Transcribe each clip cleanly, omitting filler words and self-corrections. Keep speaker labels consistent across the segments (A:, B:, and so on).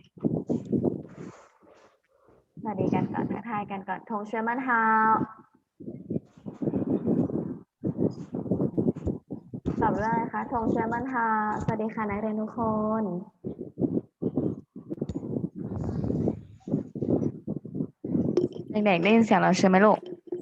A: สวัสดีกันก่อนทักทายกันก่อนทงเชื่อมันฮาตอบเรื่องอะไรคะทงเชื่อมันฮาสวัสดีค่ะนักเรียนทุกคนเด็กๆได้ยินเสียงเราใช่ไหมลูก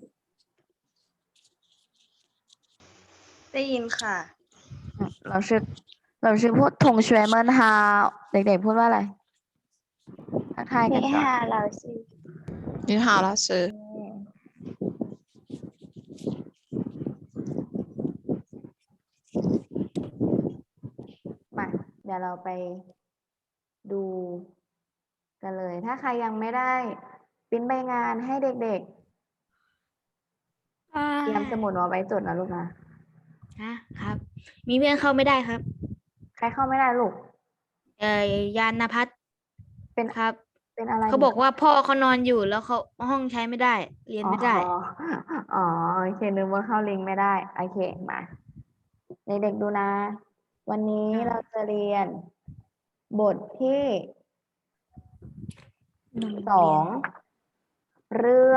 B: ได้ยินค่ะ
A: เราชื่อพูดทงเชื่อมันฮาเด็กๆพูดว่าอะไรทักทายกันก่อน
C: 你好，老师。
A: มาเดี๋ยวเราไปดูกันเลย ถ้าใครยังไม่ได้ปริ้นใบงานให้เด็กๆเตรียมสมุดเอาไว้จดนะลูกนะครับ
B: มีเพื่อนเข้าไม่ได้ครับ
A: ใครเข้าไม่ได้ลูก
B: ยานพัฒน์
A: เป็น
B: ครับ
A: เป็นอะไร
B: เขาบอกว่าพ่อเขานอนอยู่แล้วเขาห้องใช้ไม่ได้ เรียนไม่ได้
A: อ๋อโอเคนึกว่าเข้าลิงก์ไม่ได้โอเคมาเด็กๆดูนะ วันนี้เราจะเรียน บทที่2เรื่อง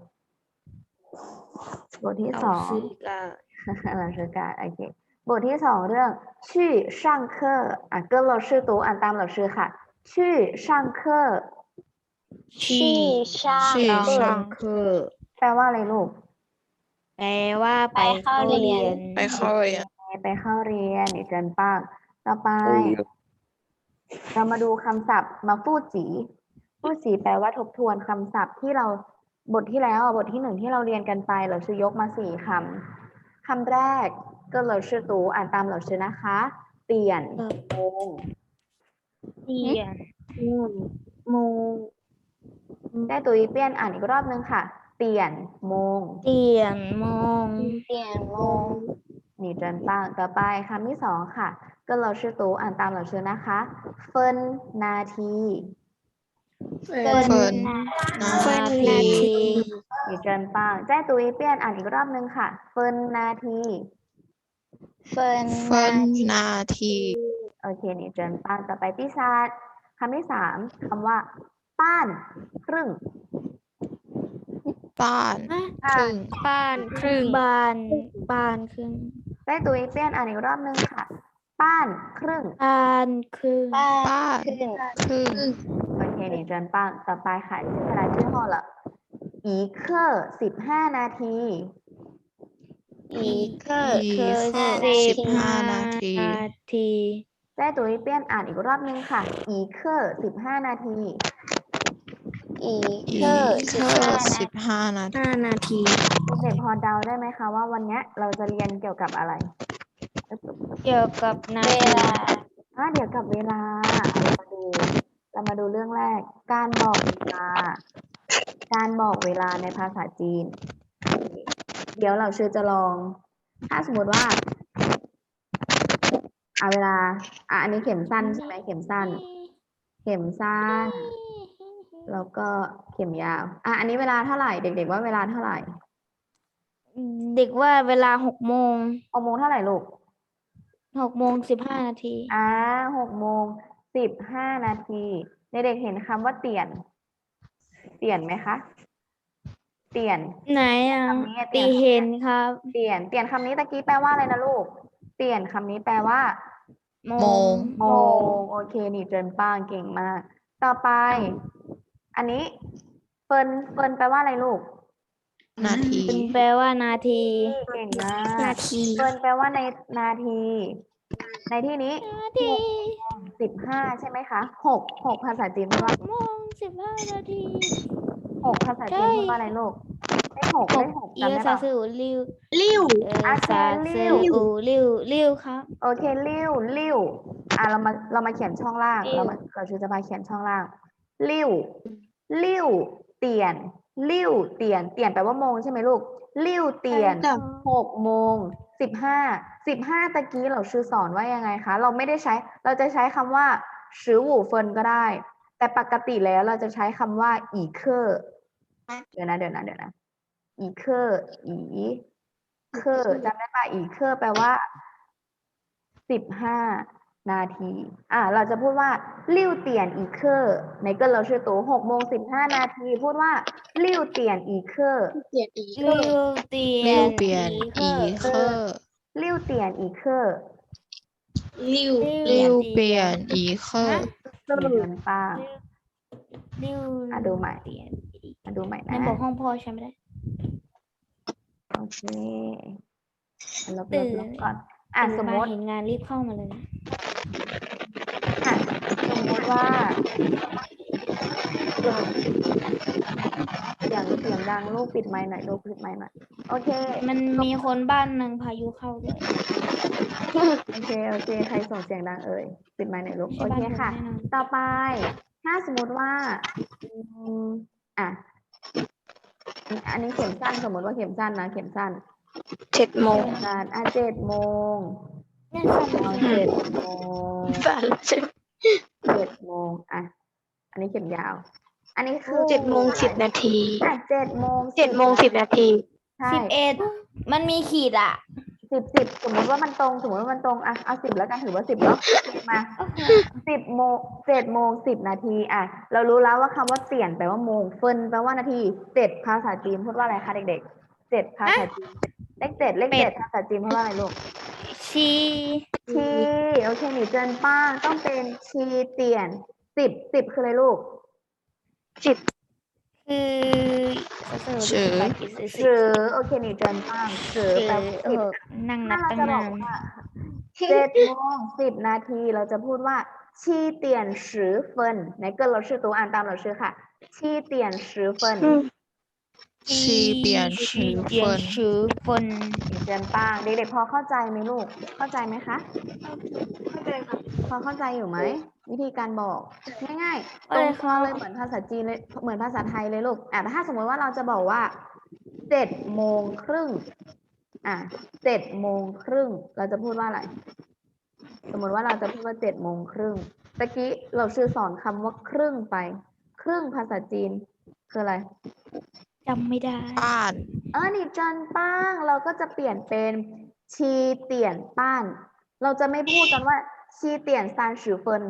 A: บทที่
B: เรา
A: 2
B: ซื้อกับ
A: 老师การโอเคบทที่ 2 เรื่องชื่อ上课อ่ะ跟老师读อ่านตาม老师ค่ะชื่อ上课
B: ที่
C: 上
B: 课
A: แปลว่าอะไรลูก
B: แปลว่าไปเข้าเรียน
C: ไปเข้าเรียน
A: ไปเข้าเรียนอีกเจินป้างต่อไป เรามาดูคำศัพท์มาฟู่จีฟู่จีแปลว่าทบทวนคำศัพท์ที่เราบทที่แล้วบทที่ 1ที่เราเรียนกันไปเราชื่อยกมา4คำคำแรกก็เราชื่อตูอ่านตามเราชื่อนะคะ เปลี่ยนโมง
B: เรียนโมง
A: ได้ตัวอีเปลี่ยนอ่านอีกรอบนึงค่ะ เปลี่ยนโมง
B: เปลี่ยนโมง
A: นี่เจินป้างต่อไปคำที่ 2ค่ะก็เราชื่อตูอ่านตามเราชื่อนะคะเฟินนาที
C: เฟิร์นนา
B: เฟิร์น
C: ที
B: นาที
A: นี่เจินป้างแจ้ตัวอีเปลี่ยนอ่านอีกรอบนึงค่ะเฟินนาที
C: เฟิร์นนาที
A: โอเคนี่เจินป้างต่อไปที่ชาติคำที่ 3คำว่า ป้านครึ่ง
C: บ้านครึ่ง
B: บ้านครึ่งบ้านครึ่ง
A: ได้ตัวอีเปลี่ยนอ่านอีกรอบนึงค่ะ ป้านครึ่ง
B: บ้านครึ่ง
C: บ้านครึ่ง
A: โอเคนี่เจินป้างต่อไปค่ะชื่อเวลาชื่อห้องละอีเคอร์15 นาที
B: อีก
C: อีก15 นาที
B: ที
A: ได้ตัวอีเปลี่ยนอ่านอีกรอบนึงค่ะ อีเคอร์15 นาที
C: อีก15 นาที
B: 5 นาที
A: เด็กๆพอเดาได้ไหมคะว่าวันเนี้ยเราจะเรียนเกี่ยวกับอะไร
B: เกี่ยวกับนาที
A: เดี๋ยวกับเวลาเรามาดูเรื่องแรก การบอกเวลา การบอกเวลาในภาษาจีน เดี๋ยวเราจะลอง ถ้าสมมติว่าเวลาอันนี้เข็มสั้นใช่ไหมเข็มสั้น แล้วก็เข็มยาวอันนี้เวลาเท่าไหร่เด็กๆว่าเวลาเท่าไหร่
B: เด็กว่าเวลา6 โมง
A: 6 โมงเท่าไหร่ลูก
B: 6 โมง 15 นาที
A: 6 โมง 15 นาทีเด็กๆเห็นคำว่าเปลี่ยนไหมคะ เปลี่ยน
B: ไหนอ่ะ
A: คำนี้
B: ตีเห็นครับ
A: เปลี่ยนคำนี้ตะกี้แปลว่าอะไรนะลูก เปลี่ยนคำนี้แปลว่า
B: โม
C: โมง
A: โอเคนี่เจินป้างเก่งมาก ต่อไป อันนี้เฟินแปลว่าอะไรลูก
C: นาที
B: แปลว่านาที
A: เก่งมาก
B: นาที
A: เฟินแปลว่าในนาที ในที่นี้
B: นาที
A: 15ใช่ไหมคะ6ภาษาจีนพูดว่า
B: 6 โมง 15 นาที
A: 6ภาษาจีนพูดว่าอะไรลูกเลข6
B: เอี
A: จำ
B: ย
A: ได้
B: ซา
A: ปะ
B: ซูริว
A: โอเค
B: ซาซูริวครับ
A: โอเคลิ้วเรามาเขียนช่องล่าง เราจะมาเขียนช่องล่างลิ้วเตียนแปลว่าโมงใช่ไหมลูกลิ้วเตียน 6 โมง 15ตะกี้เราสอนว่ายังไงคะเราจะใช้คำว่า15 เฟินก็ได้ แต่ปกติแล้วเราจะใช้คำว่าอีเคอร์เดี๋ยวนะอีเคอร์จำได้ป่ะอีเคอร์แปลว่า15 นาทีเราจะพูดว่าลิ้วเตียนอีเคอร์ในเกินเราชื่อตัว6:15 นาทีพูดว่าลิ้วเตียนอีเคอร์
C: เปลี่ยนอีก
B: ริวเตีย
C: ริ
B: น
C: วเปลี่ยนอีเคอร์
A: ลิ้วเตียนอีเคอร์
C: ริวเปลี่ยนอีเคอร์
A: มีเงินป้า
B: ริว
A: ดูใหม่
B: เตียนอีก
A: ดูใหม่
B: นั่น
A: นะ
B: บอกห้องพ่อใช่ไหมได้
A: โอเคลบ
B: ตื่น
A: ก่อนสมมติ
B: เห็นงานรีบเข้ามาเลยนะ
A: สมมติว่าเสียงดังลูกปิดไมค์หน่อยลูกปิดไมค์หน่อยโอเค
B: มันมีคนบ้านหนึ่งพายุเข้าด้วย
A: โอเคใครส่งเสียงดังเอ่ยปิดไมค์หน่อยลูก
B: ใช่
A: โอ
B: บ้าน
A: เค
B: ผม
A: ค่ะ
B: แน่นอน
A: ต่อไป ถ้าสมมติว่าอันนี้เข็มสั้นสมมติว่าเข็มสั้นนะเข็มสั้น
C: 7 โมง
A: สั้น7 โมง
B: เนี่ยสั่นเลย
A: 7 โมง
C: สั่นใช่ไหม
A: 7 โมงอันนี้เข็มยาว อันนี้คือ
C: 7 โมง 10 นาที
A: 7 โมง
C: 7 โมง 10 นาที
A: ใช่
B: 11 มันมีขีดอ่ะ
A: 10 สมมติว่ามันตรงเอา10แล้วกันถือว่า10เนาะมา7:10 เรารู้แล้วว่าคำว่าเปลี่ยนแปลว่าโมงเฟินแปลว่านาที7ภาษาจีนพูดว่าอะไรคะเด็กๆ7ภาษาจีนเลข7ภาษาจีนพูดว่าอะไรลูก
B: ชี
A: ชีโอเคหนีเจินป้างต้องเป็นชีเตียน10คืออะไรลูก
B: คือ
C: สือ
A: สือโอเคหนีเจินป้างสือแปลว่า10
B: นั่งนั
A: ถ้า
B: บ
A: เรา
B: ตั้ง
A: จะบ
B: นา
A: อก
B: น
A: ว่า7:10 เราจะพูดว่า7:10ในเกินเราชื่อตัวอ่านตามเราชื่อค่ะ7:10
C: ชีเปลี่ยนชื่อเฟิน
B: ชื่อเฟิน
A: เดือนป้างเด็กๆพอเข้าใจไหมลูกเข้าใจไหมคะ
C: เข้าใจค่ะ
A: พอเข้าใจอยู่ไหมวิธีการบอกง่ายๆต
B: อะไร
A: รง
B: คะ
A: เลยเหมือนภาษาจีนเลยเหมือนภาษาไทยเลยลูกแต่ถ้าสมมติว่าเราจะบอกว่า7:307:30เราจะพูดว่าอะไรสมมติว่าเราจะพูดว่า7:30ตะกี้เราชื่อสอนคำว่าครึ่งไปครึ่งภาษาจีนคืออะไร
B: จำไม่ได้
C: ป้าน
A: นี่จันป้างเราก็จะเปลี่ยนเป็นชีเตียนป้านเราจะไม่พูดกันว่าชีเตียนซานฉือเฟิน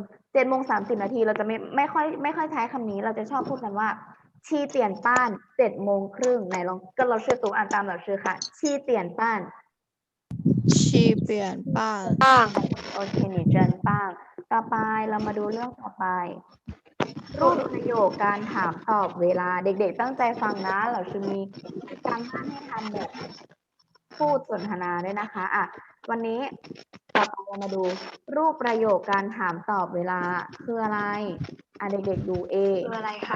A: 7:30 เราจะไม่ค่อยใช้คำนี้เราจะชอบพูดกันว่าชีเตียนป้าน7:30ไหนลองก็เราชื่อตัวอ่านตามเราชื่อค่ะชีเตียนป้าน
C: ชีเปลี่ยนป้าน
A: โอเคหนีเจินป้างต่อไปเรามาดูเรื่องต่อไป รูปประโยคการถามตอบเวลาเด็กๆตั้งใจฟังนะเราจะมีการบ้านให้ทำแบบพูดสนทนาด้วยนะคะวันนี้ต่อไปเรามาดูรูปประโยคการถามตอบเวลาคืออะไรเด็กๆดู A
C: คืออะไรคะ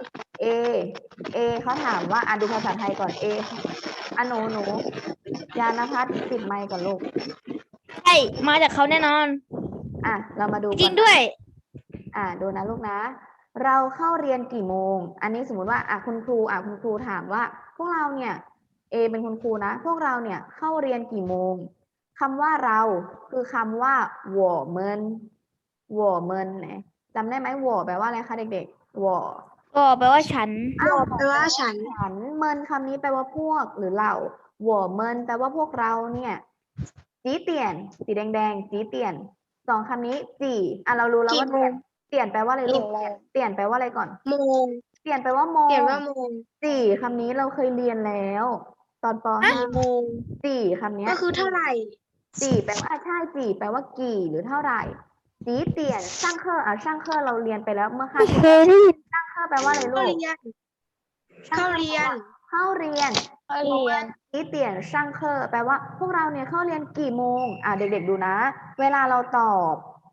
A: A เขาถามว่าดูภาษาไทยก่อน A หนูยานภัสปิดไมค์ก่อนลูก
B: ใช่มาจากเขาแน่นอน
A: เรามาดู
B: จริงด้วย
A: ดูนะลูกนะ เราเข้าเรียนกี่โมง อันนี้สมมุติว่าคุณครูถามว่า พวกเราเนี่ย A เป็นคุณครูนะ พวกเราเนี่ยเข้าเรียนกี่โมงคำว่าเราคือคำว่า我们เนี่ยจำได้ไหม我แปลว่าอะไรคะเด็กๆ我
B: ก็แปลว่าฉัน
C: แปลว่าฉัน
A: เมินคำนี้แปลว่าพวกหรือเรา我们แปลว่าพวกเราเนี่ยจีเตียนสีแดงจีเตียนสองคำนี้จีเรารู้แล้วว่า
C: กี่โมง
A: เตียนแปลว่าอะไรลูกเตียนแปลว่าอะไรก่อน
C: โมง
A: เตียนแปลว่าโมง
C: เปลี่ยนว่าโมง
A: จีคำนี้เราเคยเรียนแล้ว ตอนป
C: กี่โมง
A: .5 จีคำนี้
C: ก็คือเท่าไหร่
A: จีแปลว่าใช่จีแปลว่ากี่หรือเท่าไหร่จีเตียนช่างเคอช่างเคอเราเรียนไปแล้วเมื่อครั้งที่แล้วช่างเคอแปลว่าอะไรลู
C: เข้าก เรียน
A: เข้าเรียนจีเตียนช่างเคอแปลว่าพวกเราเนี่ยเข้าเรียนกี่โมงเด็กๆดูนะเวลาเราตอบ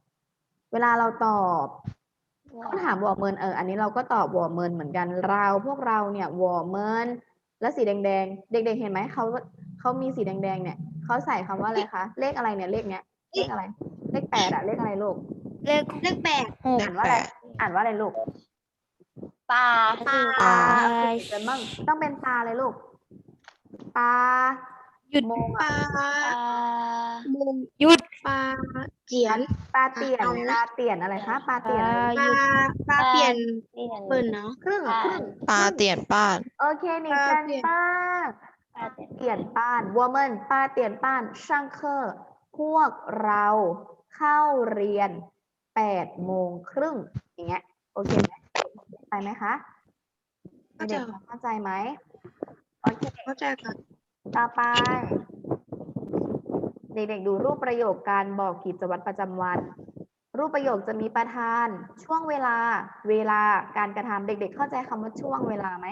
A: เขาถามวอร์เมินอันนี้เราก็ตอบวอร์เมินเหมือนกันพวกเราเนี่ยวอร์เมินแล้วสีแดงๆเด็กๆเห็นไหมเขามีสีแดงๆเนี่ยเขาใส่คำว่าอะไรคะเลขอะไรเนี่ยเลขเนี้ยเลขอะไรเลข8เลขอะไรลูก
B: เลข
C: 6
A: อ่านว่าอะไรลูก
C: ปลา
A: เป็นมั่งต้องเป็นปลาเลยลูกปลา
B: หยุด
A: โมง
C: ปลาโมง
B: หยุด
C: ปลาเจียน
A: ปลาเตียนอะไรคะปลาเตียนอะไร
C: ปลาเปลี่ยนเปิดเนาะ
A: ครึ่ง
C: ปลาเตียนป้าน
A: โอเคนี่จันป้าเตียนป้าน woman ป้าเตียนป้านช่างเคอพวกเราเข้าเรียน8:30อย่างเงี้ยโอเคไหมไปไหมคะเด็กๆเข้าใจไหมโอเค
C: เข้าใจค่ะ
A: ต่อไป เด็กๆดูรูปประโยคการบอกกิจวัตรประจำวัน รูปประโยคจะมีประธาน ช่วงเวลา เวลาการกระทำเด็กๆเข้าใจคำว่าช่วงเวลาไหม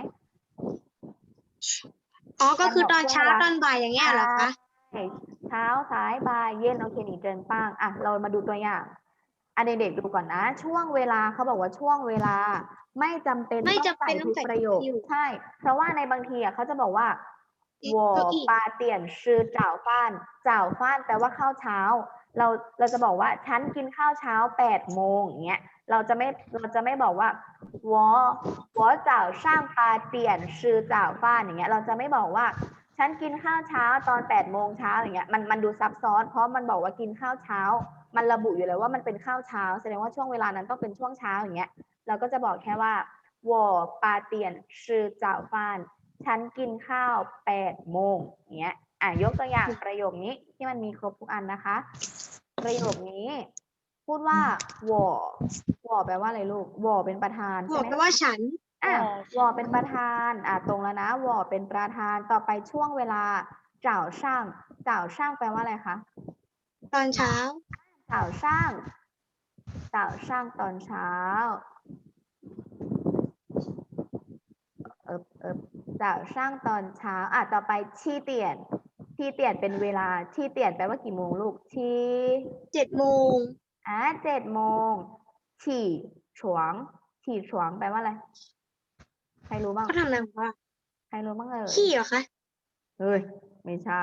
C: อ๋อ ก็คือตอนเช้าตอนบ่ายอย่างเงี้ยเหรอคะ
A: ใช่เช้าสายบ่ายเย็นโอเคหนีเจินป้างอ่ะเรามาดูตัวอย่างเด็กๆดูก่อนนะ ช่วงเวลาเขาบอกว่าช่วงเวลาไม่จำเป็น
C: ไม่
A: ต้อง
C: จำ
A: ใส่
C: เป็นต้อ
A: ทุ
C: ง
A: ก
C: ใส่
A: ประโยค
C: คิว
A: ใช่ เพราะว่าในบางทีอ่ะเขาจะบอกว่า 我
C: เก้าอี้
A: 8点吃早饭早饭แปลว่าข้าวเช้า เราจะบอกว่าฉันกินข้าวเช้า8 โมงอย่างเงี้ยเราจะไม่บอกว่า我早上8点吃早饭อย่างเงี้ยเราจะไม่บอกว่าฉันกินข้าวเช้าตอน8 โมงเช้าอย่างเงี้ยมันดูซับซ้อนเพราะมันบอกว่ากินข้าวเช้ามันระบุอยู่แล้วว่ามันเป็นข้าวเช้าแสดงว่าช่วงเวลานั้นต้องเป็นช่วงเช้าอย่างเงี้ยเราก็จะบอกแค่ว่า我8点吃早饭ฉันกินข้าว8 โมงอย่างเงี้ยยกตัวอย่างประโยคนี้ที่มันมีครบทุกอันนะคะ ประโยคนี้พูดว่า我แปลว่าอะไรลูก我เป็นประธาน
C: บ
A: ใช่
C: อก
A: ไหม
C: ไปว่าฉัน
A: 我เป็นประธานตรงแล้วนะ我เป็นประธานต่อไปช่วงเวลา早上早上แปลว่าอะไรคะ
C: ตอนเช้า
A: 早上ตอนเช้า早上ตอนเช้าต่อไปที่เตียนเป็นเวลาที่เตียนแปลว่ากี่โมงลูกที่
C: 7 โมง
A: 7 โมงฉี่ฉวงแปลว่าอะไรใครรู้บ้าง
C: เขาทำอะไรของว่า
A: ใครรู้บ้างเอ่ย
C: ขี้เหรอคะ
A: เฮ้ยไม่ใช่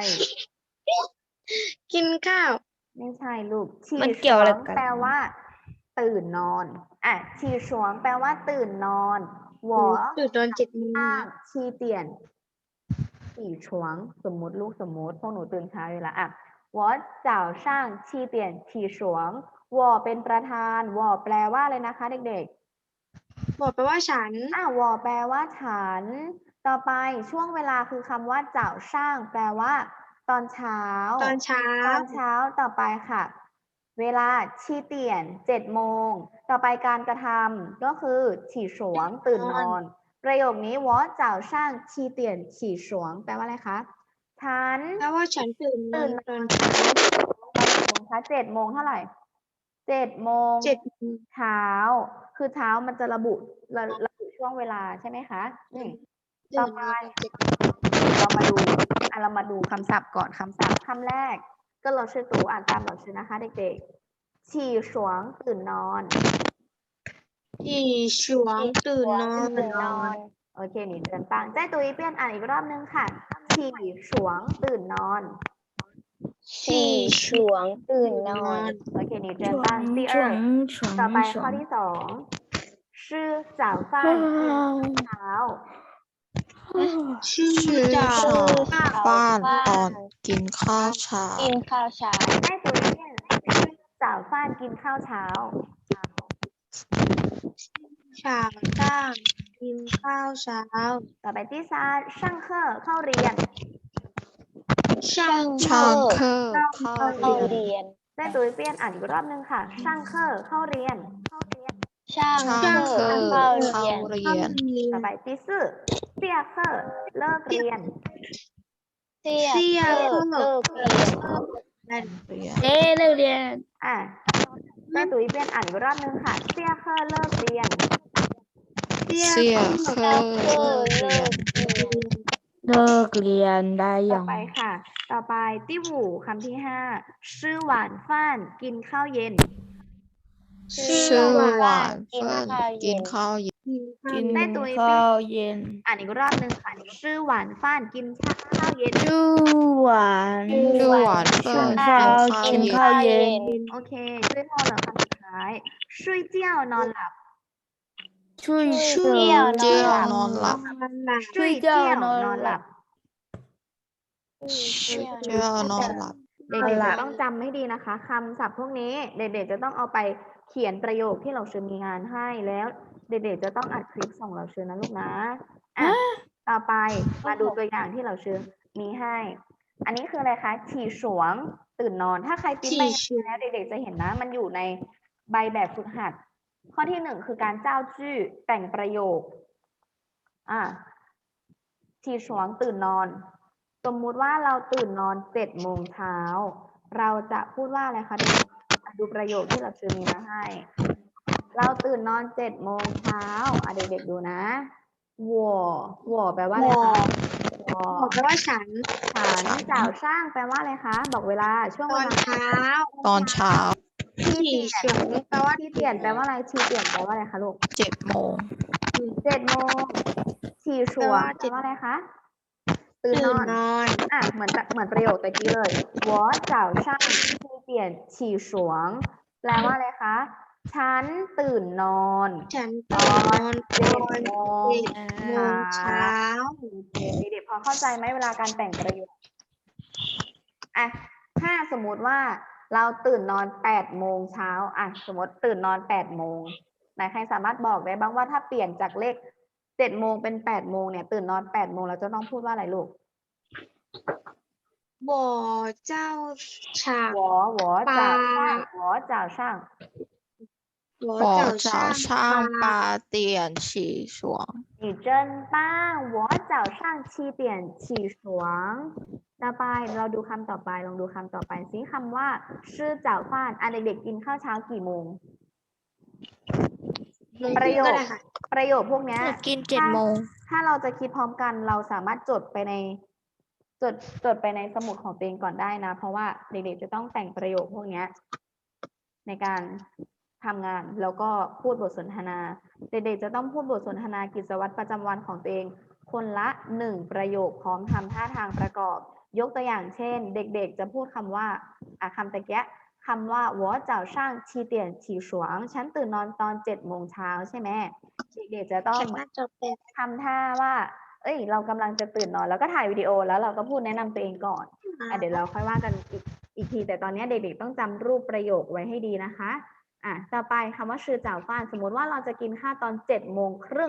C: กินข้าว
A: ไม่ใช่ลูกฉี่
B: มันเกี่ยวอะไร
A: ฉง
B: กัน
A: แปลว่า ตื่นนอนฉี่ฉวงแปลว่าตื่นนอนหวอ
C: ตื่นตอน 7 โมง
A: ข้างชีเตียนฉี่ฉวงสมมุติลูกสมมุติพวกหนูตื่นเช้าอยู่แล้ว我早上7点起床我เป็นประธาน我แปลว่าอะไรนะคะเด็ก
C: บอกไปว่าฉัน
A: ๆ我แปลว่าฉัน ต่อไปช่วงเวลาคือคำว่า早上แปลว่า ตอนเช้า
C: ตอนเช้า
A: ต่อไปค่ะ เวลาชีเตียน7 โมงต่อไปการกระทำก็คือฉี่ฉวงตื่นนอน ประโยคนี้我早上7点起床แปลว่าอะไรคะฉัน
C: แปลว่าฉันตื่นนอนตอน
A: ตอนกี่โมงคะ7 โมงเท่าไหร่7 โมง
C: 7 โมง
A: เช้าคือเช้ามันจะระบุช่วงเวลาใช่ไหมคะต่อไปเรามาดูคำศัพท์ก่อนคำศัพท์คำแรกก็เราชื่อตูอ่านตามเราชื่อนะคะเด็กๆฉี่ฉวงตื่นนอน
C: ที่ฉวงตื่นนอน
A: โอเคหนีเดินปังใจตุยเปลี่ยนอ่านอีกรอบนึงค่ะฉี่ฉวงตื่นนอน
D: ที่ฉวงตื่นนอน
A: โอเคหนีเดิน
B: ช่ว
A: ปัง
B: ง
A: 第
B: ช่ว
A: 二
B: งช่วง
A: ต่อไป
B: ช่ว
A: ข้อง ที่2ชื่อ早饭เช้า
C: ชื่อ
D: ชื่อ
C: จาก
D: บ้าน
C: ตอนกินข้าวเช้า
D: กินข้าวเช้า
A: ใจตุยเปลี่ยนชื่อ早饭กินข้าวเช้า
C: ฉากจ้างกินข้าวเช้า
A: ต่อไปที่3上课เข้าเรียน
C: ช่าง
D: ช่าง
C: เคอร์เข้า
D: เข้า
C: เรียน
D: เรียน
A: ใจตุยเปลี่ยนอ่านอีกรอบนึงค่ะ上课เข้าเรียน
D: ช่าง
C: ช่าง
D: เค
C: เค
D: อ
C: อ
D: ร์
C: ร์
D: เข้า
C: เข้า
D: เรียน
C: เรียน
A: ต่อไปที่4下课เลิกเรียน
D: เสีย
C: เสีย
D: เลิก
C: เลิก
D: เลิกเรียน
C: เรียน
B: เอ๊ะเลิกเรียน
A: แม่ตุ๋ยเปลี่ยนอ่านอีกรอบนึงค่ะเสี่ยเคอร์เลิกเรียน
C: เสีย
D: เสีย
C: เค
D: เค
C: อ
D: อ
C: ร์
D: ร์
C: เลิก
D: เลิ
C: เรียน
D: กเรียน
B: เลิกเรียนได้
A: ต่
B: ยั
A: อง ไปค่ะ ต่อไปที่หูคำที่5ชื่อหวานฟ้านกินข้าวเย็น
C: ชื่อหวาน
D: กิน
C: เฟิ่น
D: ข้าว
C: กิ
D: เย็
C: น
D: น
C: ข้าวเย็น
B: กิน
A: แม่ตุ๋ย
B: ข้าวเย็น
A: อ่านอีกรอบนึงค่ะชื่อหวานฟ้านกินข้าวเย็น
B: ชื่อหวาน
C: ชื่อหวานเฟิ่น
B: กิน
C: กิน
B: ข้าว
C: ข้าวเย็น
B: เย็น
A: โอเคช่วยพ่อเหรอคำสุดท้ายช่วยเจียวนอนหลับ
B: ช่วย
D: เจียวน
C: เจีย
D: อ
C: วน
D: ห
C: อ
D: ลั
C: น
D: บ
C: หลับ
A: ช่วยเจียวนอนหลับ
C: เจียวนอนหลับ
A: เด็กๆจะต้องจำให้ดีนะคะคำศัพท์พวกนี้เด็กๆจะต้องเอาไปเขียนประโยคที่เราเชิญมีงานให้แล้ว เด็กๆจะต้องอัดคลิปส่งเราเชิญนะลูกนะต่อไปมาดูตัวอย่างที่เราเชิญมีให้ อันนี้คืออะไรคะฉี่ฉวงตื่นนอน ถ้าใครปริ้นใบงานแล้วเด็กๆจะเห็นนะ มันอยู่ในใบแบบฝึกหัด ข้อที่หนึ่งคือการเจ้าจื้อแต่งประโยคชีฉวงตื่นนอน สมมุติว่าเราตื่นนอน7 โมงเช้า เราจะพูดว่าอะไรคะเด็กดูประโยคที่เราชื่อมีมาให้ เราตื่นนอน7 โมงเช้าเด็กๆดูนะ我แปลว่าอะไรคะ我
D: แปลว่าฉัน
A: ฉันจ่าวช่างแปลว่าอะไรคะ บอกเวลาช่วง
D: ต
A: เว
D: อน
A: ลา
D: เช้า
C: ตอนเช้า
A: ที่
D: ฉี่
A: เปลี่ยน
D: เฉียงแปลว่า
A: ที่เปลี่ยนแปลว่าอะไรชีเปลี่ยนแปลว่าอะไรคะลูก
C: 7 โมง
A: 7 โมงฉี่ฉวงแปลว่าอะไรคะ ตื่นนอน เหมือนประโยคตะกี้เลย我早上7点起床แปลว่าอะไรคะ ฉันตื่นนอน
D: ฉันตื่นนอนตอน
A: 7 โมง
D: โมงเช้า
A: เด็กๆพอเข้าใจไหมเวลาการแต่งประโยคถ้าสมมุติว่าเราตื่นนอน8 โมงเช้าสมมติตื่นนอน8 โมงไหนใครสามารถบอกได้บ้างว่าถ้าเปลี่ยนจากเลข7 โมงเป็น8 โมงเนี่ยตื่นนอน8 โมงเราจะต้องพูดว่าอะไรลูก
D: 我早上
A: 我早上
D: 我
C: 我
D: 早
C: 早上8点起床。
A: 你真棒我早上7点起床ต่อไปเราดูคำต่อไปลองดูคำต่อไปสิคำว่าชื่อเจ้าฟ้านเด็กๆกินข้าวเช้ากี่โมงประโยคพวกเนี้ย
B: กิน7 โมง
A: ถ้าเราจะคิดพร้อมกันเราสามารถจดไปในสมุดของตัวเองก่อนได้นะ เพราะว่าเด็กๆจะต้องแต่งประโยคพวกเนี้ยในการทำงานแล้วก็พูดบทสนทนาเด็กๆจะต้องพูดบทสนทนากิจวัตรประจำวันของตัวเองคนละ1 ประโยคพร้อมทำท่าทางประกอบยกตัวอย่างเช่นเด็กๆจะพูดคำว่าคำตะเกียะคำว่า我早上7点起床ฉันตื่นนอนตอน7 โมงเช้าใช่ไหมเด็กๆจะต้องทำท่าว่าเรากำลังจะตื่นนอนแล้วก็ถ่ายวิดีโอแล้วเราก็พูดแนะนำตัวเองก่อนเดี๋ยวเราค่อยว่ากันอีกทีแต่ตอนนี้เด็กๆต้องจำรูปประโยคไว้ให้ดีนะคะต่อไปคำว่าชื่อจ่าวฟ้านสมมุติว่าเราจะกินข้าวตอน7 โมงครึ่ง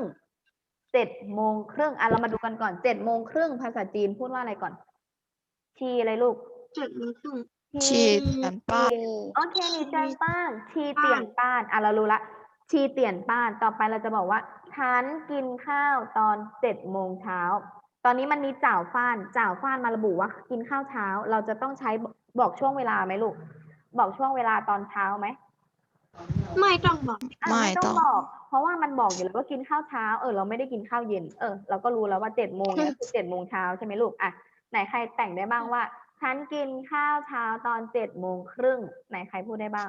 A: เรามาดูกันก่อน7 โมงครึ่งภาษาจีนพูดว่าอะไรก่อนชีอะไรลูก
D: 7 โมงครึ่ง
C: 7点半
A: โอเคนี่เจินป้านชีเตียนป้านเรารู้ละชีเตียนป้านต่อไปเราจะบอกว่าฉันกินข้าวตอน7 โมงเช้าตอนนี้มันมีจ่าวฟ้านมาระบุว่ากินข้าวเช้าเราจะต้องใช้บอกช่วงเวลาไหมลูกบอกช่วงเวลาตอนเช้าไหม
D: ไม่ต้องบอก
A: ไม่ต้องบอกเพราะว่ามันบอกอยู่แล้วว่ากินข้าวเช้าเราไม่ได้กินข้าวเย็นเราก็รู้แล้วว่า7 โมงเนี่ยคือ7 โมงเช้าใช่ไหมลูกไหนใครแต่งได้บ้างว่าฉันกินข้าวเช้าตอน7 โมงครึ่งไหนใครพูดได้บ้าง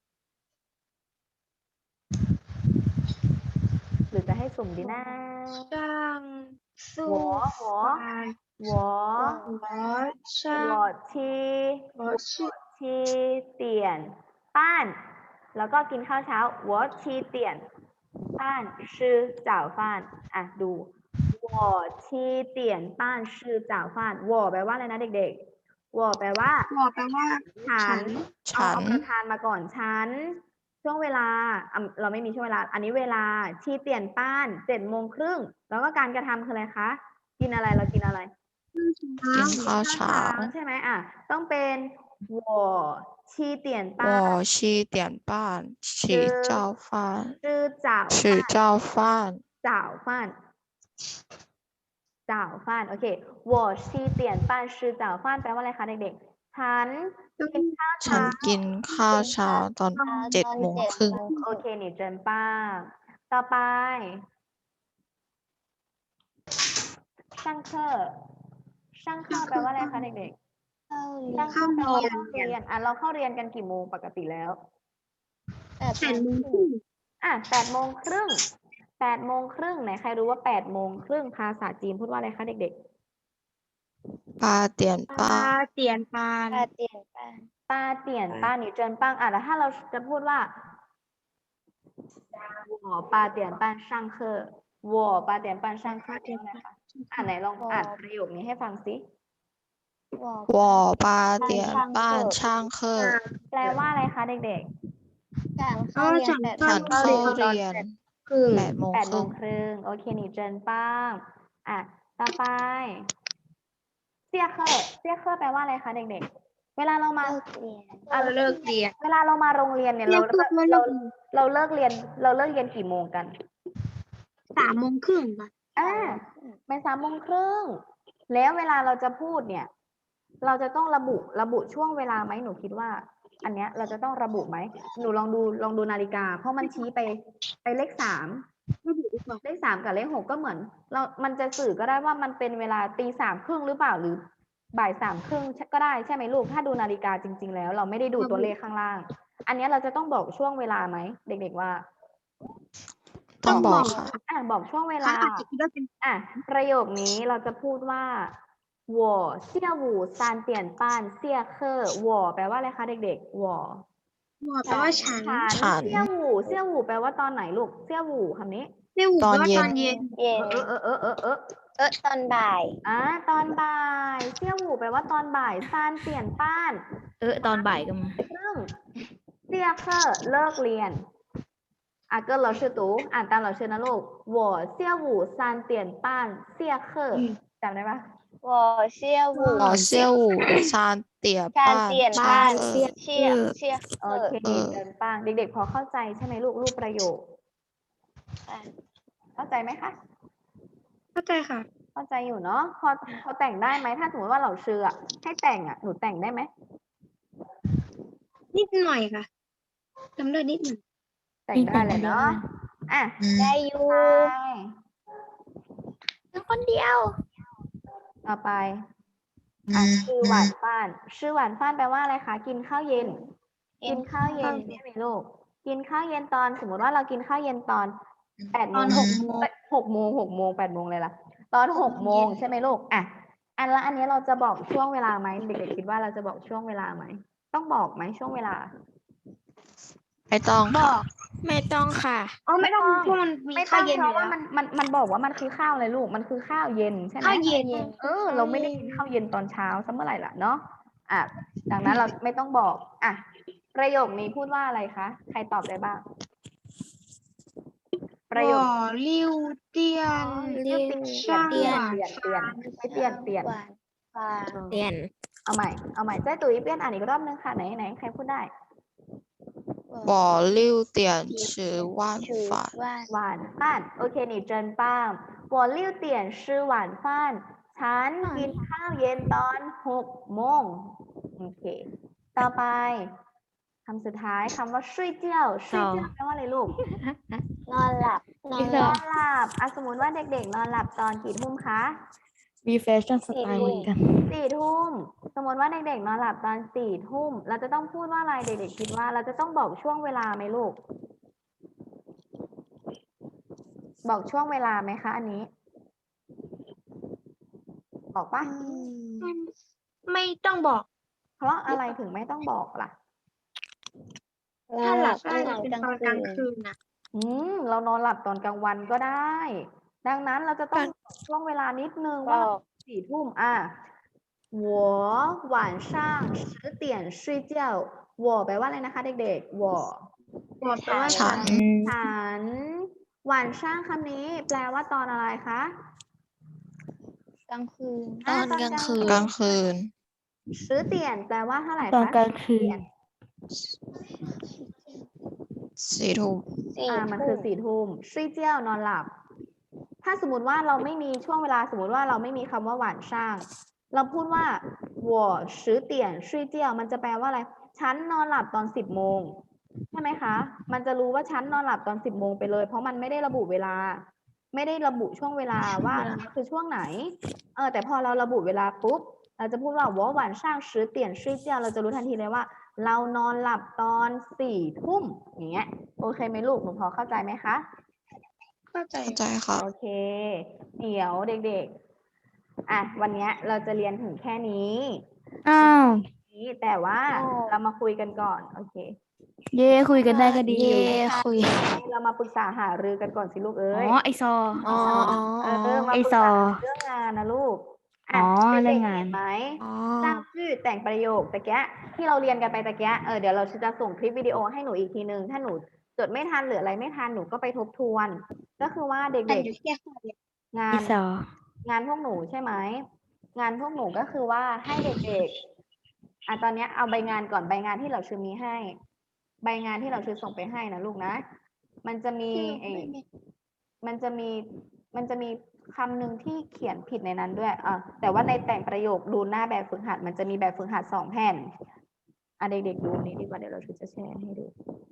A: หรือจะให้สุ่มดีนะ
D: ช่างสู้
A: 我七点半แล้วก็กินข้าวเช้า我7点半吃早饭ดู我7点半吃早饭我แปลว่าอะไรนะเด็กๆ我แปลว่าฉันเอาประธานมาก่อนฉันช่วงเวลาเราไม่มีช่วงเวลาอันนี้เวลาชีเตียนป้าน7 โมงครึ่งแล้วก็การกระทำคืออะไรคะกินอะไรเรากินอะไร
C: กินข้าวเช้า
A: ใช่ไหมต้องเป็น我7点半
C: 我7点半起早饭吃早饭
A: โอเค我7点半吃早饭แปลว่าอะไรคะเด็กๆฉันกินข้าวเช้า
C: ตอน7 โมงครึ่ง
A: โอเคนี่เจินป้าต่อไปช่างเคอแปลว่าอะไรคะเด็กๆช่างเคอแปลว่าเข้าเรียนเราเข้าเรียนกันกี่โมงปกติแล้ว8 โมงครึ่ง8 โมงครึ่งไหนใครรู้ว่า8 โมงครึ่งภาษาจีนพูดว่าอะไรคะเด็กๆ
C: 8点半
D: 8点半
A: 你真棒แล้วถ้าเราจะพูดว่า我8点半上课我8点半上课ใช่ไหมคะไหนลองอ่านประโยคนี้ให้ฟังสิ
C: 我8点半上课
A: แปลว่าอะไรคะเด็กๆ
C: ฉันเข้าเรียน8 โมงครึ่ง
A: โอเคนี่เจินป้างต่อไปเซี่ยเคอร์แปลว่าอะไรคะเด็กเวลาเรามา
D: เลิกเรียน
B: เลิกเรียน
A: เวลาเรามาโรงเรียนเนี่ยเราเลิกเรียนกี่โมงกัน
E: 3:30 ค่ะ
A: เป็น3:30แล้วเวลาเราจะพูดเนี่ย เราจะต้องระบุช่วงเวลาไหมหนูคิดว่า อันเนี้ยเราจะต้องระบุไหมหนูลองดูนาฬิกา เพราะมันชี้ไปเลข3
E: ระบุดีกว่า
A: เลข3กับเลข6ก็เหมือนมันจะสื่อก็ได้ว่ามันเป็นเวลา3:30หรือเปล่าหรือบ่าย3:30ก็ได้ใช่ไหมลูกถ้าดูนาฬิกาจริง ๆ แล้ว เราไม่ได้ดูตัวเลขข้างล่าง อันเนี้ยเราจะต้องบอกช่วงเวลาไหมเด็กๆว่า
C: ต้องบอกค่ะ
A: บอกช่วงเวลา
E: อาจจะคิดว่าเป็น
A: ประโยคนี้เราจะพูดว่า我下午3点半下课我แปลว่าอะไรคะเด็กๆ我
E: แปลว่าฉัน
C: ฉัน
A: เสี่ยหูแปลว่าตอนไหนลูกเสี่ยหูคำนี้
E: เรียก
C: ตอน
E: ว่า
C: เย็น
E: ตอนเย็น
D: เย็น ตอนบ่าย
A: ตอนบ่ายเสี่ยหูแปลว่าตอนบ่ายซานเปลี่ยนป้าน
B: ตอนบ่ายก็มา
A: ซึ่งเสี่ยเคอร์เลิกเรียนเกินเราชื่อตูอ่านตามเราชื่อนะลูก我下午3点半下课จำได้ปะ
D: 我下午
C: 我下午3点半
D: 3点半下
A: โอเค
C: เออ
A: เดินป้างเด็กๆพอเข้าใจใช่ไหมลูกรูปประโยค
D: ค่ะ
A: เข้าใจไหมคะ
E: เข้าใจค่ะ
A: เข้าใจอยู่เนาะพอแต่งได้ไหมถ้าสมมติว่าเราชื่อให้แต่งหนูแต่งได้ไหม
E: นิดหน่อยค่ะจำได้นิดหน่อย
A: แต่งได้เลยเนาะ
D: ได้อยู่
B: คนเดียว
A: ต่อไปชื่อหวานฟ้านชื่อหวานฟ้านแปลว่าอะไรคะกินข้าวเย็น กินข้าวเย็นใช่ไหมลูกกินข้าวเย็นตอนสมมติว่าเรากินข้าวเย็นตอน8 โมง 6 โมง 8 โมงเลยล่ะตอน6 โมงใช่ไหมลูกอันนี้เราจะบอกช่วงเวลาไหมเด็กๆคิดว่าเราจะบอกช่วงเวลาไหมต้องบอกไหมช่วงเวลา
C: ไม่ต้องค่ะ
B: ไม่ต้องค่ะ
E: ไม่ต้องเพราะมันมี
A: ไม่ต้
E: ข้า
A: อ
E: ว
A: ง
E: เย็น
A: เพ
E: อยู่
A: ราะว่า
E: แล้ว
A: มันบอกว่ามันคือข้าวเลยลูกมันคือข้าวเย็นใช่ไหม
E: ข้าวเย็น
A: เราไม่ได้กินข้าวเย็นตอนเช้าซะเมื่อไหร่ล่ะเนาะดังนั้นเราไม่ต้องบอกประโยคนี้พูดว่าอะไรคะใครตอบได้บ้าง ประโยค
E: ลิ้วเตียน
A: เปลี่ยน
E: ช่าง
A: เปลี่ยน
E: หวาน
A: ไม่เปลี่ยนเปลี่ยน
D: หวานฟ้า
B: เรียน
A: เอาใหม่เจ้ตุ๋ยเปลี่ยนอ่านอีกรอบนึงค่ะไหนใครพูดได้
C: 我6点吃晚
D: ชื่อ
C: 饭
D: ว่า
A: หวานฟ้านโอเคนี่เจินป้าง我6点吃晚饭ฉันกินข้าวเย็นตอน6 โมงโอเคต่อไปคำสุดท้ายคำว่าช่วยเจี้ยวช่วยเจี้ยวแปลว่าอะไรลูก
D: นอนหลับ
A: นอนหลับสมมติว่าเด็กๆนอนหลับตอนกี่ทุ่มคะ
B: มีแฟชั่นสไตล์เหมือนกัน
A: 4 ทุ่มสมมติว่าเด็กๆนอนหลับตอน4 ทุ่มเราจะต้องพูดว่าอะไรเด็กๆคิดว่าเราจะต้องบอกช่วงเวลาไหมลูก บอกช่วงเวลาไหมคะ อันนี้ บอกปะ
E: ไม่ต้องบอก
A: เพราะอะไรถึงไม่ต้องบอกล่ะ
E: ถ้าหลับ
D: ต
E: ได้
D: อน
E: จะเป็น
D: กลาง
E: ตอนก
D: คื
E: ลาง
D: น
E: คืนนะ
A: เรานอนหลับตอนกลางวันก็ได้ ดังนั้นเราจะต้องบอกช่วงเวลานิดนึง
D: บ
A: ว่า
D: อก
A: 4 ทุ่ม我晚上10点睡觉我แปลว่าอะไรนะคะ เด็กๆ我
E: บอกแต่ว่า
C: ฉัน
A: ฉันหวานช่างคำนี้ แปลว่าตอนอะไรคะ
D: กลางคืน
C: ตอนกลางคืน
A: ซื้อเตียนแปลว่าเท่าไหร่คะ
B: ตอนกลางคืน
C: 4 ทุ่ม
A: มันคือ4 ทุ่ม睡觉นอนหลับ ถ้าสมมติว่าเราไม่มีช่วงเวลาสมมติว่าเราไม่มีคำว่าหวานช่าง เราพูดว่า我10点睡觉มันจะแปลว่าอะไร ฉันนอนหลับตอน10 โมงใช่ไหมคะ มันจะรู้ว่าฉันนอนหลับตอน10 โมงไปเลย เพราะมันไม่ได้ระบุเวลา ไม่ได้ระบุช่วงเวลาว่าคือช่วงไหน แต่พอเราระบุเวลาปุ๊บ เราจะพูดว่า我晚上10点睡觉เราจะรู้ทันทีเลยว่า เรานอนหลับตอน4 ทุ่มอย่างเงี้ย โอเคไหมลูก หนูพอเข้าใจไหมคะ
E: เข้าใจ
C: เข้าใจค่ะ
A: โอเค เดี๋ยวเด็กๆ วันเนี้ยเราจะเรียนถึงแค่นี้
B: อ้าว
A: แต่ว่าเรามาคุยกันก่อน โอเค
B: เย่คุยกันได้ก็ดี
C: เย่คุย
A: เรามาปรึกษาหารือกันก่อนสิลูกเอ้ย
B: ไอซอ
C: อ๋อ
A: มาปรึก
B: ไอ้ซอ
A: ษาเรื่องงานนะลูก
B: เรื่องงาน
A: เห็นไหม
C: อ๋อ
A: สร้างชื่อแต่งประโยคตะแกะที่เราเรียนกันไปตะแกะเดี๋ยวเราจะส่งคลิปวิดีโอให้หนูอีกทีนึง ถ้าหนูจดไม่ทันหรืออะไรไม่ทันหนูก็ไปทบทวน ก็คือว่าเด็
E: แต่
A: ก
E: อยู่แค่ข้อเดียว
A: ๆ งา
B: ไอน ซอง
A: านพวกหนูใช่ไหม งานพวกหนูก็คือว่าให้เด็กตอนเนี้ยเอาใบงานก่อนใบงานที่เราชื่อมีให้ ใบงานที่เราชื่อส่งไปให้นะลูกนะ มันจะมีมันจะมีคำหนึ่งที่เขียนผิดในนั้นด้วยแต่ว่าในแต่งประโยคดูหน้าแบบฝึกหัดมันจะมีแบบฝึกหัด2 แผ่นเด็กๆดูนี้ดีกว่าเดี๋ยวเราจะแชร์ให้ดู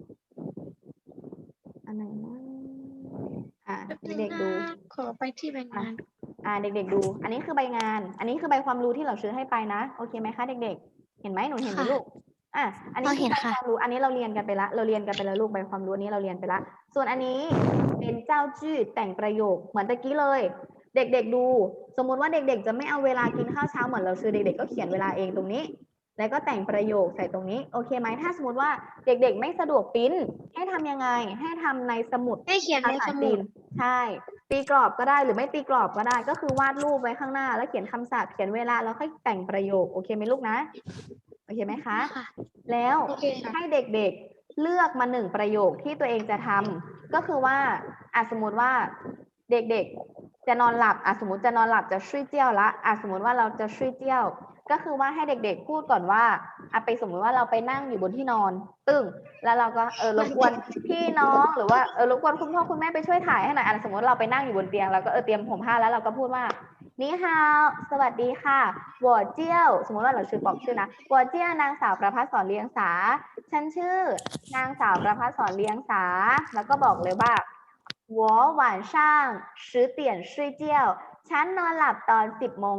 A: อันไหนนะเด็กๆดู
E: ขอไปที่ใบงาน
A: เด็กๆดู อันนี้คือใบงาน อันนี้คือใบความรู้ที่เราซื้อให้ไปนะ โอเคไหมคะเด็กๆ เห็นไหมหนูเห็นไหมลูก อันนี้คือใบความรู้ อันนี้เราเรียนกันไปละ เราเรียนกันไปแล้วลูกใบความรู้อันนี้เราเรียนไปละ ส่วนอันนี้เป็นเจ้าจื้อแต่งประโยคเหมือนตะกี้เลย เด็กๆดู สมมุติว่าเด็กๆจะไม่เอาเวลากินข้าวเช้าเหมือนเราซื้อเด็กๆก็เขียนเวลาเองตรงนี้ แล้วก็แต่งประโยคใส่ตรงนี้ โอเคไหมถ้าสมมติว่าเด็กๆไม่สะดวกปริ้นให้ทำยังไง ให้ทำในสมุด
E: ให้เขียนใน
A: ภาษา
E: ส
A: จี
E: มุด
A: นใช่ ตีกรอบก็ได้หรือไม่ตีกรอบก็ได้ ก็คือวาดรูปไว้ข้างหน้า แล้วเขียนคำศัพท์เขียนเวลาแล้วค่อยแต่งประโยคโอเคไหมลูกนะโอเคไหมคะ
E: ค่ะ
A: แล้ว
E: โอเคค่ะ
A: ให้เด็กๆเลือกมา1 ประโยคที่ตัวเองจะทำก็คือว่าสมมติว่าเด็กๆจะนอนหลับสมมติจะนอนหลับจะช่วยเจี้ยวละสมมติว่าเราจะช่วยเจี้ยว ก็คือว่าให้เด็กๆพูดก่อนว่าไปสมมติว่าเราไปนั่งอยู่บนที่นอนตึ้งแล้วเราก็รบกวนพี่น้องหรือว่ารบกวนคุณพ่อคุณแม่ไปช่วยถ่ายให้หน่อยสมมติเราไปนั่งอยู่บนเตียงเราก็เตรียมผมผ้าแล้วเราก็พูดว่านี่ฮาวสวัสดีค่ะวอเจี้ยวสมมติว่าเราชื่อบอกชื่อนะวอเจี้ยวนางสาวประภัสสรเลียงสาฉันชื่อนางสาวประภัสสรเลียงสาแล้วก็บอกเลยว่า我晚上10点睡觉ฉันนอนหลับตอน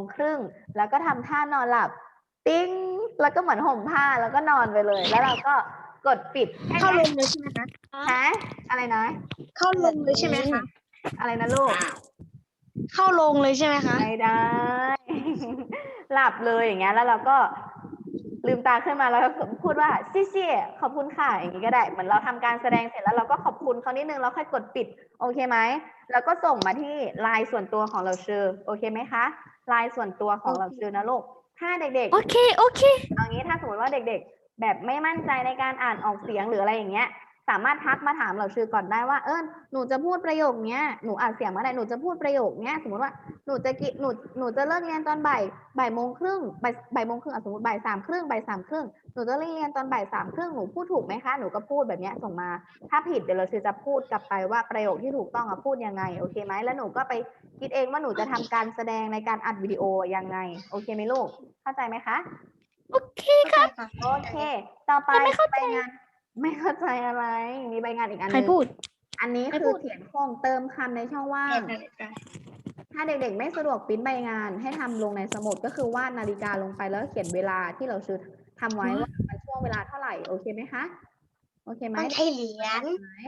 A: 10:30แล้วก็ทำท่านอนหลับติ้งแล้วก็เหมือนห่มผ้าแล้วก็นอนไปเลย แล้วเราก็กดปิด
E: เข้าลงเลยใช่ไหมคะ
A: ฮะอะไรนะ
E: เข้าลงเลยใช่ไหมคะ
A: อะไรนะลูก
E: เข้าลงเลยใช่ไหมคะ
A: ไม่ได้ หลับเลยอย่างเงี้ยแล้วเราก็ลืมตาขึ้นมาแล้วก็พูดว่าซี่ซี่ขอบคุณค่ะอย่างนี้ก็ได้เหมือนเราทำการแสดงเสร็จแล้วเราก็ขอบคุณเขานิดนึงแล้วค่อยกดปิดโอเคไหมแล้วก็ส่งมาที่ไลน์ส่วนตัวของเราชื่อโอเคไหมคะไลน์ส่วนตัวของเราชื่อนะลูกถ้าเด็กๆ
B: โอเค โอเค
A: เอางี้ถ้าสมมติว่าเด็กๆ แบบไม่มั่นใจในการอ่านออกเสียงหรืออะไรอย่างเงี้ย สามารถทักมาถามเราชื่อก่อนได้ว่าหนูจะพูดประโยคเนี้ยหนูอ่านเสียงเมื่อไหร่หนูจะพูดประโยคเนี้ยสมมติว่าหนูจะเลิกเรียนตอนบ่ายโมงครึ่งบ่ายโมงครึ่งสมมติบ่ายสามครึ่งหนูจะเลิกเรียนตอนบ่ายสามครึ่งหนูพูดถูกไหมคะหนูก็พูดแบบเนี้ยส่งมาถ้าผิดเดี๋ยวเราจะพูดกลับไปว่าประโยคที่ถูกต้องพูดยังไงโอเคไหมแล้วหนูก็ไปคิดเองว่าหนูจะทำการแสดงในการอัดวิดีโอยังไงโอเคไหมลูกเข้าใจไหมคะ
B: โอเคครับ
A: โอเค ต่อไปใบงานไม่เข้าใจอะไร มีใบงานอีกอันห
B: ใคร
A: นึง
B: พูด
A: อันนี้คือเขียนโครงเติมคำในช่องว่าง ถ้าเด็กๆไม่สะดวกปริ้นใบงานให้ทำลงในสมุดก็คือวาดนาฬิกาลงไปแล้วเขียนเวลาที่เราซื้อทำไว้ว่ามันช่วงเวลาเท่าไหร่โอเคไหมคะ โอเคไหม
E: ต้องใช้เหรียญ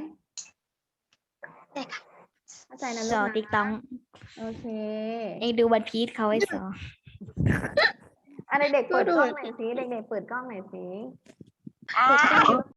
A: เข้าใจนะลู
B: ส
A: ก
B: อ
A: นะ
B: ติ๊กต้อง
A: โอเค
B: เองดูวันพีชเขาไว้สอ
A: เด็กๆเปิดกล้องหน่อยสิเด็กๆเปิดกล้องหน่อยสิ
D: อ้าว